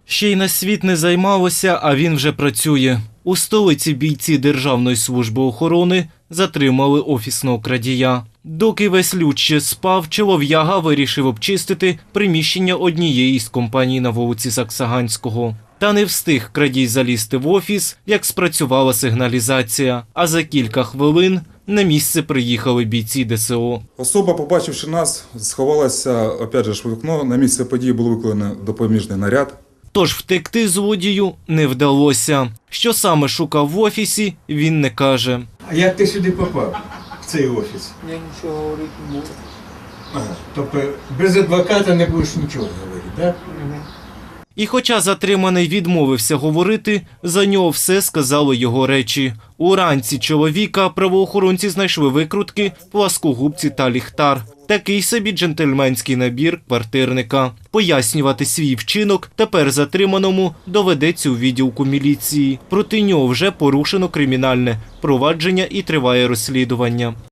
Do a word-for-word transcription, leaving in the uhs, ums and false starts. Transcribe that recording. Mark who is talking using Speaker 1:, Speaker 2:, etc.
Speaker 1: Ще й на світ не займалося, а він вже працює. У столиці бійці Державної служби охорони затримали офісного крадія. Доки весь люд ще спав, чолов'яга вирішив обчистити приміщення однієї з компаній на вулиці Саксаганського. Та не встиг крадій залізти в офіс, як спрацювала сигналізація. А за кілька хвилин на місце приїхали бійці Де Се О.
Speaker 2: Особа, побачивши нас, сховалася, опять же, в вікно. На місце події був викликаний допоміжний наряд.
Speaker 1: Тож втекти злодію не вдалося. Що саме шукав в офісі, він не каже.
Speaker 3: А як ти сюди попав, в цей офіс?
Speaker 4: Я нічого говорити не буду.
Speaker 3: Ага. Тобто без адвоката не будеш нічого говорити, так?
Speaker 1: І хоча затриманий відмовився говорити, за нього все сказали його речі. Уранці чоловіка правоохоронці знайшли викрутки, пласкогубці та ліхтар. Такий собі джентльменський набір квартирника. Пояснювати свій вчинок тепер затриманому доведеться у відділку міліції. Проти нього вже порушено кримінальне провадження і триває розслідування.